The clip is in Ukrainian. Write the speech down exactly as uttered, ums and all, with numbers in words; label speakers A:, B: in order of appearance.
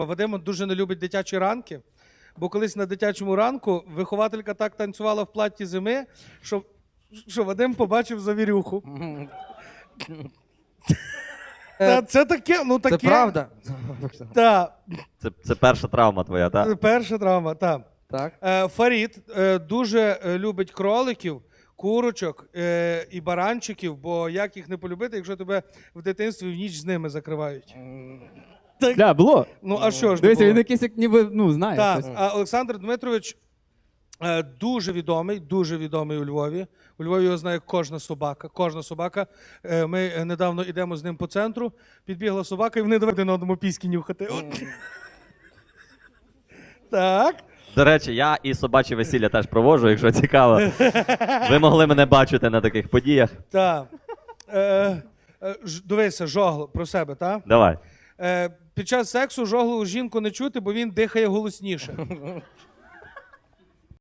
A: Вадим дуже не любить дитячі ранки, бо колись на дитячому ранку вихователька так танцювала в платті зими, що, що Вадим побачив завірюху. Та, це таке, ну таке.
B: Це правда?
A: Так,
C: Це, це перша травма твоя, так?
A: перша травма, так.
B: Так.
A: Е, Фарід е, дуже е, любить кроликів, курочок е, і баранчиків, бо як їх не полюбити, якщо тебе в дитинстві в ніч з ними закривають. Так,
D: Да, було.
A: ну а що ж не
D: Дивися,
A: було?
D: він якийсь, як ніби, ну, знає.
A: Так,
D: щось.
A: а Олександр Дмитрович е, дуже відомий, дуже відомий у Львові. У Львові його знає кожна собака. Кожна собака. Е, Ми е, недавно йдемо з ним по центру, підбігла собака, і вони давай один одному піськи нюхати. От. Так.
C: До речі, я і собачі весілля теж проводжу, якщо цікаво. Ви могли мене бачити на таких подіях.
A: Так. Е, е, ж- Дивися, жогло про себе, так?
C: Давай.
A: Е, Під час сексу жоглу жінку не чути, бо він дихає голосніше.